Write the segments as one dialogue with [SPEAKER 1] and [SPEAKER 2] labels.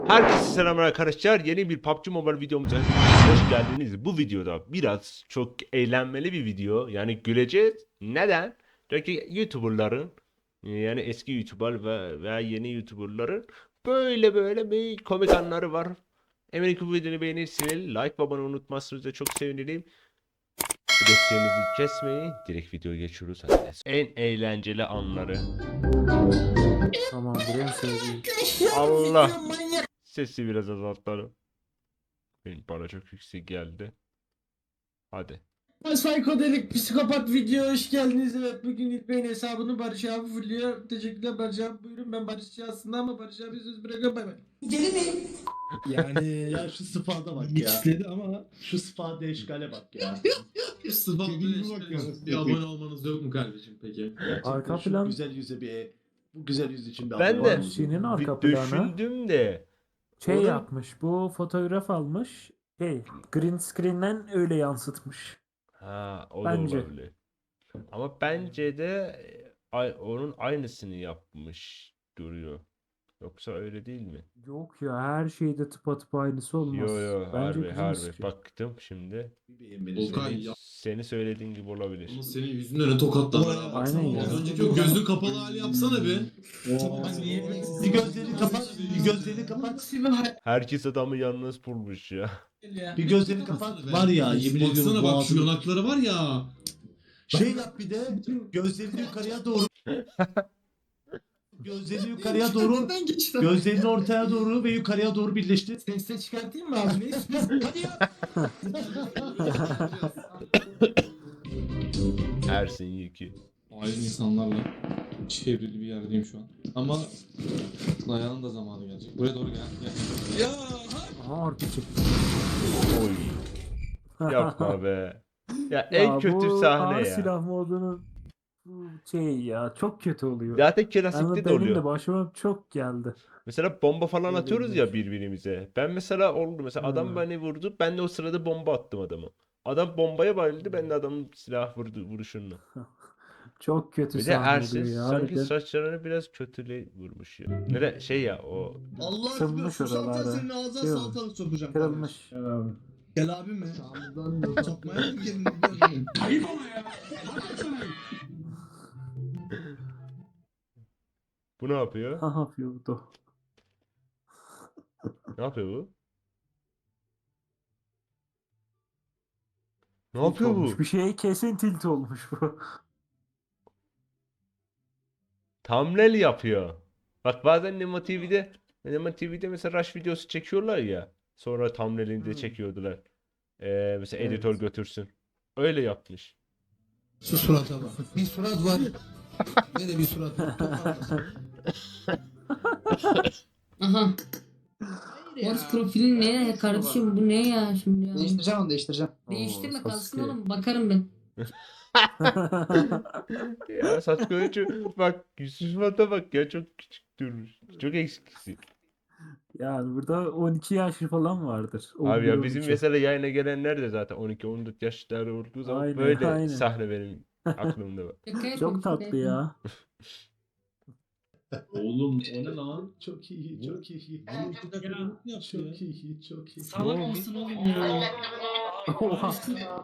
[SPEAKER 1] Herkese selamlar arkadaşlar. Yeni bir PUBG Mobile videomuza hoş geldiniz. Bu videoda biraz çok eğlenmeli bir video. Yani güleceğiz. Neden? Çünkü YouTuber'ların yani eski YouTuber veya yeni YouTuber'ların böyle bir komik anları var. Eminim ki bu videoyu beğenirsiniz. Like ve abone unutmazsınız da çok sevinirim. Desteğinizi kesmeyin. Direkt videoya geçiyoruz. Hadi. En eğlenceli anları.
[SPEAKER 2] Tamamdır en sevdiğim.
[SPEAKER 1] Allah. Sesi biraz azaltalım. Benim bana çok yüksek geldi. Hadi.
[SPEAKER 3] Psikodelik psikopat video hoş geldiniz. Evet bugün İlbey'in hesabını Barış abi fulluyor. Teşekkürler Barış abi, buyurun. Ben Barışçı aslında ama Barış abi söz bırakıyorum, bay bay.
[SPEAKER 4] Yani ya şu sıfada bak ya.
[SPEAKER 3] İstedi ama
[SPEAKER 4] Şu sıfada eşkale bak ya.
[SPEAKER 3] sıfatlı bir abone olmanız yok mu kardeşim peki?
[SPEAKER 4] Gerçekten
[SPEAKER 2] Arka
[SPEAKER 4] şu
[SPEAKER 2] plan-
[SPEAKER 4] güzel yüze bu güzel yüz için bir
[SPEAKER 1] Ben
[SPEAKER 4] abone
[SPEAKER 1] de
[SPEAKER 4] olun.
[SPEAKER 2] Senin arka
[SPEAKER 1] bir
[SPEAKER 2] planı
[SPEAKER 1] düşündüm de
[SPEAKER 2] şey
[SPEAKER 1] Onun-
[SPEAKER 2] yapmış. Bu fotoğraf almış. Green screen'den öyle yansıtmış.
[SPEAKER 1] o da
[SPEAKER 2] Bence.
[SPEAKER 1] olabilir. Ama bence de onun aynısını yapmış duruyor. Yoksa öyle değil mi?
[SPEAKER 2] Yok ya her şeyde tıpatıp aynısı olmaz.
[SPEAKER 1] Yo
[SPEAKER 2] Bence
[SPEAKER 1] harbi
[SPEAKER 2] green
[SPEAKER 1] harbi
[SPEAKER 2] screen.
[SPEAKER 1] baktım şimdi.
[SPEAKER 4] Bir beğenmeni
[SPEAKER 3] Volkan
[SPEAKER 4] söyleyeyim.
[SPEAKER 3] ya.
[SPEAKER 1] Seni söylediğin gibi olabilir.
[SPEAKER 3] Ama senin yüzünden ne tokatlar.
[SPEAKER 2] Aynen ya.
[SPEAKER 3] Az önceki o gözün kapalı hali yapsana bir.
[SPEAKER 4] Bir gözlerini kapat, bir gözlerini kapat.
[SPEAKER 1] Herkes adamı yalnız bulmuş ya.
[SPEAKER 4] Bir gözlerini kapat. Var ya yemin ediyorum
[SPEAKER 3] Baksana bak şu
[SPEAKER 4] boğazını-
[SPEAKER 3] yanakları var ya.
[SPEAKER 4] Şey yap bir de gözlerini yukarıya doğru. Gözlerini yukarıya doğru.
[SPEAKER 3] Neden geçti?
[SPEAKER 4] Gözlerini ortaya doğru ve yukarıya doğru birleştir.
[SPEAKER 3] Sesle çıkartayım mı abi? Hadi ya.
[SPEAKER 1] Ersin Yeki.
[SPEAKER 5] Ayrı insanlarla çevrili bir yerdeyim şu an. Ama dayanın da zamanı gelecek. Buraya doğru gel.
[SPEAKER 2] Aha harbi çıktı.
[SPEAKER 1] Oy. Yapma be. Ya
[SPEAKER 2] Ya
[SPEAKER 1] en kötü
[SPEAKER 2] bu
[SPEAKER 1] sahne
[SPEAKER 2] ağır
[SPEAKER 1] ya.
[SPEAKER 2] silah modunun bu şey ya çok kötü oluyor.
[SPEAKER 1] Zaten
[SPEAKER 2] Yani
[SPEAKER 1] klasikte de
[SPEAKER 2] benim
[SPEAKER 1] oluyor.
[SPEAKER 2] de başıma çok geldi.
[SPEAKER 1] Mesela bomba falan atıyoruz ya
[SPEAKER 2] Olabilir.
[SPEAKER 1] birbirimize. Ben mesela oldu mesela adam
[SPEAKER 2] Hmm.
[SPEAKER 1] beni vurdu. Ben de o sırada bomba attım adamı. Adam bombaya bayıldı. Ben de adamın silah vuruşunla.
[SPEAKER 2] Çok kötü
[SPEAKER 1] Bir de
[SPEAKER 2] sahne
[SPEAKER 1] Ersin
[SPEAKER 2] oluyor ya.
[SPEAKER 1] sanki
[SPEAKER 2] Harbiden.
[SPEAKER 1] saçlarını biraz kötüle vurmuş ya. Nere şey ya o
[SPEAKER 3] Allah aşkına
[SPEAKER 2] Sınmış
[SPEAKER 3] şu salata
[SPEAKER 2] oralara.
[SPEAKER 3] senin ağzına
[SPEAKER 2] Şey
[SPEAKER 3] salatalık sokacağım.
[SPEAKER 2] Kırılmış.
[SPEAKER 3] Gel abim mi? Sokmaya mı girdin? Ayıp ama ya.
[SPEAKER 1] bu ne yapıyor?
[SPEAKER 2] Ne yapıyordu?
[SPEAKER 1] Ne yapıyor bu? Ne
[SPEAKER 2] Tilt
[SPEAKER 1] yapıyor
[SPEAKER 2] olmuş.
[SPEAKER 1] bu?
[SPEAKER 2] Bir şeye kesin tilt olmuş bu.
[SPEAKER 1] Thumbnail yapıyor. Bak bazen Nemo TV'de mesela Rush videosu çekiyorlar ya. Sonra thumbnail'ini de çekiyordular. Mesela editör
[SPEAKER 2] Evet.
[SPEAKER 1] götürsün. Öyle yapmış.
[SPEAKER 3] Şu surata bak. Bir surat var. Ne de bir surat var.
[SPEAKER 6] Aha. Morse profilin ne ya kardeşim, bu ne ya şimdi ya?
[SPEAKER 7] Değiştireceğim onu değiştireceğim.
[SPEAKER 6] Değiştirme
[SPEAKER 2] Oo,
[SPEAKER 6] kalsın
[SPEAKER 2] Sasuke.
[SPEAKER 6] oğlum, bakarım ben.
[SPEAKER 1] Ya Sasuke bak Yusuf'a bak ya çok küçük durmuş. Çok eksiksin.
[SPEAKER 2] Yani burada 12 yaş falan vardır.
[SPEAKER 1] Abi ya
[SPEAKER 2] 11,
[SPEAKER 1] bizim
[SPEAKER 2] 12.
[SPEAKER 1] mesela yayına gelenler de zaten 12-14 yaşları olduğu zaman
[SPEAKER 2] Aynen,
[SPEAKER 1] böyle
[SPEAKER 2] aynen.
[SPEAKER 1] sahne benim aklımda var.
[SPEAKER 6] Şaka yapıyorum,
[SPEAKER 2] Çok
[SPEAKER 6] şaka
[SPEAKER 2] tatlı
[SPEAKER 6] yapıyorum.
[SPEAKER 2] ya.
[SPEAKER 5] Oğlum o ne lan?
[SPEAKER 4] Çok iyi, çok iyi.
[SPEAKER 5] Ya.
[SPEAKER 4] Çok iyi, çok iyi.
[SPEAKER 6] Salak mısın oğlum ya?
[SPEAKER 2] Oha.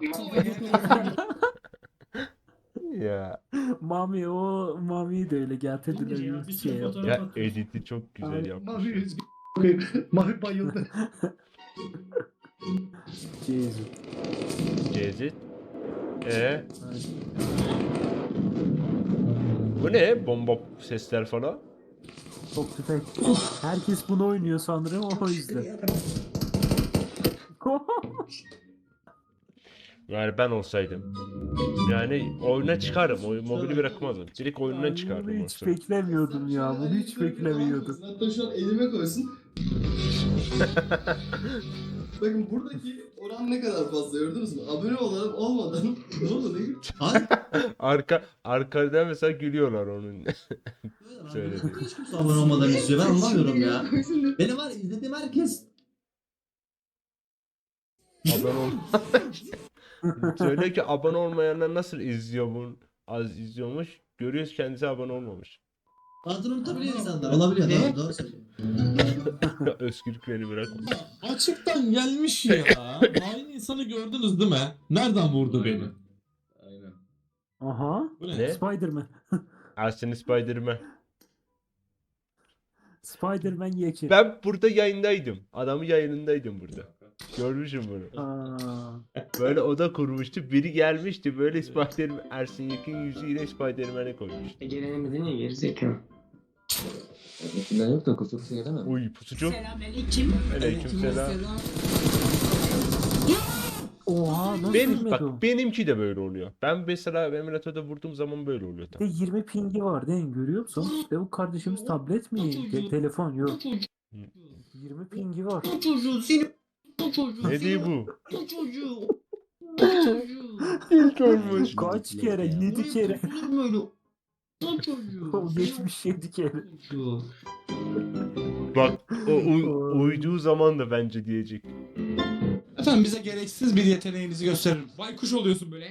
[SPEAKER 1] Ya
[SPEAKER 2] Mami'yi de öyle getirdiler. Bir şey yaptı.
[SPEAKER 1] ya editi çok güzel
[SPEAKER 4] Mavi
[SPEAKER 1] yapmış.
[SPEAKER 4] yüz Mavi bayıldı.
[SPEAKER 2] Jesus.
[SPEAKER 1] Gezit. Bu ne? Bomba sesler falan.
[SPEAKER 2] Çok tüfek. Herkes bunu oynuyor sanırım o yüzden.
[SPEAKER 1] Yani ben olsaydım. Yani oyuna çıkarım. Mobili bırakmazdım. Direkt oyundan çıkardım.
[SPEAKER 2] Bunu
[SPEAKER 1] o
[SPEAKER 2] hiç
[SPEAKER 1] sırada.
[SPEAKER 2] beklemiyordum ya. Bunu hiç beklemiyordum.
[SPEAKER 3] Hatta şu an elime koysun. Bakın buradaki oran ne kadar fazla gördünüz mü? Abone olan olmadan ne oldu ne? Hayır.
[SPEAKER 1] Arkada mesela gülüyorlar onun söylediği.
[SPEAKER 8] Hiç kimse abone olmadan izliyor. Ben anlamıyorum ya. Benim var izlediğim herkes
[SPEAKER 1] Abone ol. Söyle ki abone olmayanlar nasıl izliyor bunu? Az izliyormuş. Görüyoruz kendisi abone olmamış.
[SPEAKER 8] adını unutabiliyor insanlar. Olabiliyor. Doğru söylüyorsun.
[SPEAKER 1] Özgürlük beni bırak.
[SPEAKER 5] Açıktan gelmiş ya. Aynı insanı gördünüz değil mi? Nereden vurdu beni?
[SPEAKER 8] Aynen.
[SPEAKER 2] Aha.
[SPEAKER 5] Bu ne?
[SPEAKER 1] Ne?
[SPEAKER 2] Spider-Man.
[SPEAKER 1] Arsene Spider-Man.
[SPEAKER 2] Spider-Man yeki.
[SPEAKER 1] Ben burada yayındaydım. Adamın yayınındaydım burada. Görmüşüm bunu.
[SPEAKER 2] Aa,
[SPEAKER 1] Böyle oda kurmuştu. Biri gelmişti böyle Spider-Man, Ersin Yekin yüzüyle Spider-Man'e koymuştu.
[SPEAKER 7] Gelenemedin ya gerizekalı.
[SPEAKER 8] Ötekinden yok da kusursa gelemem.
[SPEAKER 1] Uy pusucu.
[SPEAKER 6] Selamünaleyküm.
[SPEAKER 1] Aleykümselam.
[SPEAKER 2] oha nasıl
[SPEAKER 1] Benim
[SPEAKER 2] bilmedi o?
[SPEAKER 1] bak benimki de böyle oluyor. Ben mesela emülatörde vurduğum zaman böyle oluyor
[SPEAKER 2] Bir
[SPEAKER 1] tam.
[SPEAKER 2] de 20 pingi var değil mi? Görüyor musun? Ve bu kardeşimiz tablet mi? Telefon yok. 20 pingi var.
[SPEAKER 6] Bu çocuğu seni bu çocuğu.
[SPEAKER 1] Ne diyor bu?
[SPEAKER 6] Bu çocuğu. Bu çocuğu.
[SPEAKER 1] İlk olmuş.
[SPEAKER 2] Kaç kere? 7 kere.
[SPEAKER 6] Olur mu öyle? Bu çocuğu.
[SPEAKER 2] 77 kere.
[SPEAKER 6] Çocuğu.
[SPEAKER 1] Bak uyduğu zaman da bence diyecek.
[SPEAKER 4] Efendim bize gereksiz bir yeteneğinizi gösterin.
[SPEAKER 5] Baykuş oluyorsun böyle.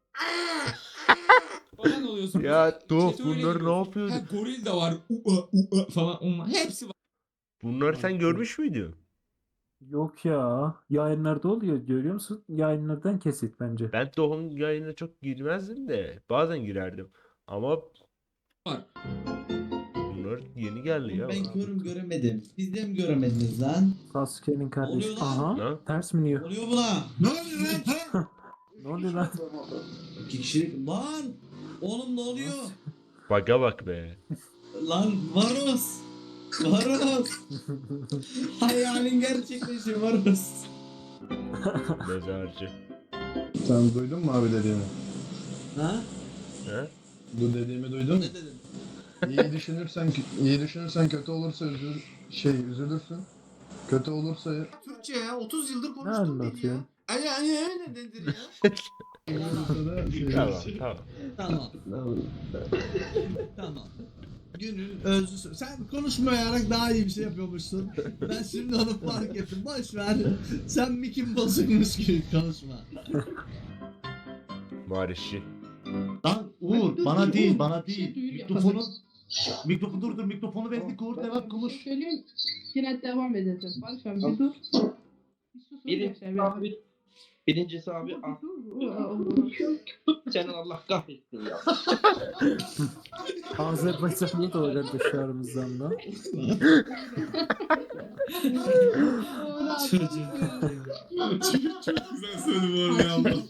[SPEAKER 5] Falan oluyorsun.
[SPEAKER 1] Ya Doğ
[SPEAKER 5] Chat'e öyle
[SPEAKER 1] bunları ne
[SPEAKER 5] giriyorsun.
[SPEAKER 1] yapıyordun?
[SPEAKER 5] Ha, goril de var. Falan. Onlar. Hepsi var.
[SPEAKER 1] Bunları sen görmüş müydün?
[SPEAKER 2] Yok ya. Yayınlarda oluyor. Görüyor musun? Yayınlardan kesit bence.
[SPEAKER 1] Ben Doğu'nun yayınına çok girmezdim de bazen girerdim. Ama
[SPEAKER 5] Var.
[SPEAKER 1] bunlar yeni geldi ya.
[SPEAKER 8] Ben körüm göremedim. Siz de mi göremediniz lan?
[SPEAKER 2] Sasuke'nin kardeşi.
[SPEAKER 8] Oluyor lan.
[SPEAKER 2] Aha.
[SPEAKER 1] Ne?
[SPEAKER 2] Ters mi diyor?
[SPEAKER 8] Oluyor buna. Ne oluyor lan?
[SPEAKER 2] Ne oluyor lan?
[SPEAKER 8] 2 kişilik. Lan! Oğlum ne oluyor?
[SPEAKER 1] Baga bak be.
[SPEAKER 8] Lan Varus! Varus! Hayalin gerçekleşiyor Varus.
[SPEAKER 1] Mezarcı.
[SPEAKER 9] Sen duydun mu abi dediğimi?
[SPEAKER 8] Ha?
[SPEAKER 1] He?
[SPEAKER 9] Bu dediğimi duydun mu?
[SPEAKER 8] Ne dedin?
[SPEAKER 9] iyi düşünürsen kötü olursa üzülürsün. Kötü olursa
[SPEAKER 4] Türkçe ya 30 yıldır
[SPEAKER 2] Ne
[SPEAKER 4] konuştum beni ya.
[SPEAKER 2] anlatıyorsun?
[SPEAKER 4] Ay öyle nedir ya?
[SPEAKER 1] Tamam.
[SPEAKER 8] Tamam. Tamam.
[SPEAKER 4] Günün özlüsü. Sen konuşmayarak daha iyi bir şey yapıyormuşsun. Ben şimdi onu fark ettim. Boş ver. Sen mikin bozukmuş gibi konuşma.
[SPEAKER 1] Marişi.
[SPEAKER 4] Lan Uğur bana değil bana
[SPEAKER 6] Bir şey
[SPEAKER 4] değil.
[SPEAKER 6] duyuyor.
[SPEAKER 4] Mikrofonu dur mikrofonu verdik Uğur devam konuş.
[SPEAKER 6] Söyleyeyim. Yine devam edeceğiz. Barış abi bir dur. Bir sus.
[SPEAKER 7] Birincisi abi senin Allah kahretsin ya.
[SPEAKER 2] Azerbaycan'da da öyle dışarımızdan da.
[SPEAKER 5] Güzel söyledim oraya Allah.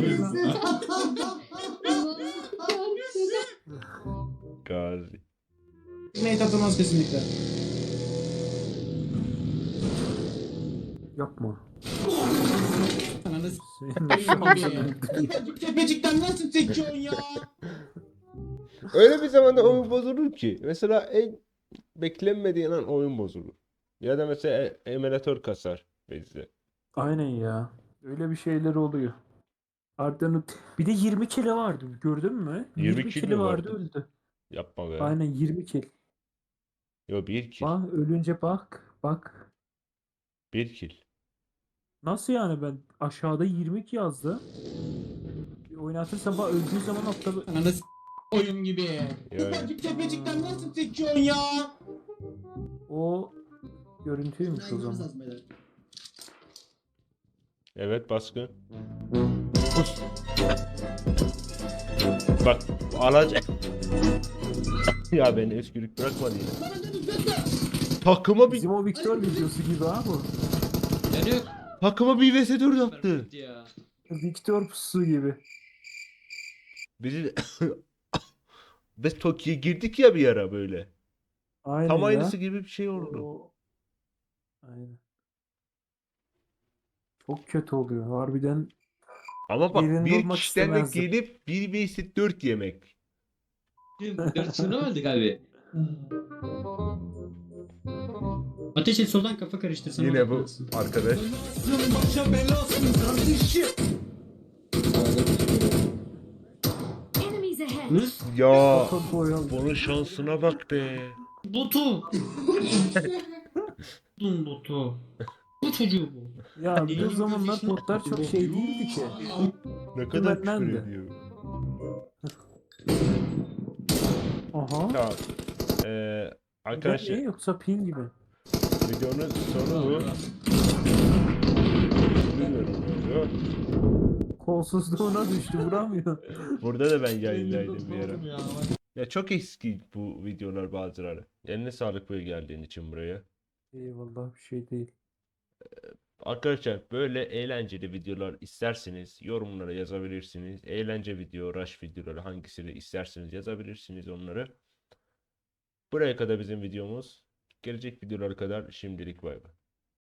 [SPEAKER 1] Gazi.
[SPEAKER 4] Nate atamaz kesinlikle.
[SPEAKER 2] Yapma.
[SPEAKER 4] Ananı
[SPEAKER 2] Senin
[SPEAKER 4] tepecikten nasıl seçiyorsun ya?
[SPEAKER 1] Öyle bir zamanda oyun bozulur ki. Mesela en beklenmediğin an oyun bozulur. Ya da mesela emülatör kasar bizde.
[SPEAKER 2] Aynen ya. Öyle bir şeyler oluyor. Arda'nın bir de 20 kilo vardı. Gördün mü?
[SPEAKER 1] 20 kilo
[SPEAKER 2] kilo
[SPEAKER 1] vardı.
[SPEAKER 2] vardı öldü.
[SPEAKER 1] Yapma be.
[SPEAKER 2] Aynen 20 kilo.
[SPEAKER 1] Yo 1 kill.
[SPEAKER 2] Bak ölünce bak. Bak.
[SPEAKER 1] 1 kill.
[SPEAKER 2] Nasıl yani ben aşağıda 22 yazdı. Oynatırsam bak öldüğü zaman altta
[SPEAKER 4] Ananı oyun gibi.
[SPEAKER 1] Yani.
[SPEAKER 4] Tepecikten nasıl seçiyorsun ya?
[SPEAKER 2] o görüntüymüş o zaman.
[SPEAKER 1] Evet baskın. Bak alacak. Ya beni özgürlük bırakmadı ya. Takıma bir
[SPEAKER 2] Bizim o Victor videosu gibi ha bu.
[SPEAKER 1] takıma bir vs4 yaptı.
[SPEAKER 2] Victor pusu gibi.
[SPEAKER 1] Bizi biz Tokyo'ya girdik ya bir ara böyle.
[SPEAKER 2] Aynen
[SPEAKER 1] Tam
[SPEAKER 2] ya.
[SPEAKER 1] aynısı gibi bir şey oldu.
[SPEAKER 2] Aynen. Çok kötü oluyor. Harbiden
[SPEAKER 1] Ama bak
[SPEAKER 2] Yerinde
[SPEAKER 1] bir
[SPEAKER 2] olmak
[SPEAKER 1] kişiden de
[SPEAKER 2] istemezdim.
[SPEAKER 1] gelip 1 vs 4 yemek.
[SPEAKER 7] 4 mı öldük abi?
[SPEAKER 10] Ateş et soldan kafa karıştırsana.
[SPEAKER 1] Yine bu arkadaş.
[SPEAKER 4] Başa belasın kardeşim.
[SPEAKER 6] Enemies ahead.
[SPEAKER 1] Ya
[SPEAKER 2] foto boyalı.
[SPEAKER 1] bunun şansına bak be.
[SPEAKER 10] Botu. Dun botu. Bu çocuğu bu.
[SPEAKER 2] Ya bir de o zamanlar botlar çok şey değildi ki.
[SPEAKER 1] Ne kadar küfür
[SPEAKER 2] Benden de.
[SPEAKER 1] ediyor.
[SPEAKER 2] Aha.
[SPEAKER 1] Tamam.
[SPEAKER 2] Bir de
[SPEAKER 1] Arkadaşlar
[SPEAKER 2] ne yoksa pin gibi.
[SPEAKER 1] Videonun sonu bu. Bilmiyorum ne oluyor.
[SPEAKER 2] Kolsuzluğuna düştü vuramıyor.
[SPEAKER 1] Burada da ben yayındaydım bir ara.
[SPEAKER 4] Oğlum ya.
[SPEAKER 1] Ya çok eski bu videolar bazıları. Eline sağlık böyle geldiğin için buraya.
[SPEAKER 2] Eyvallah bir şey değil.
[SPEAKER 1] Arkadaşlar böyle eğlenceli videolar isterseniz yorumlara yazabilirsiniz. Eğlence video, rush videoları hangisini isterseniz yazabilirsiniz onları. Buraya kadar bizim videomuz. Gelecek videolara kadar şimdilik bay bay.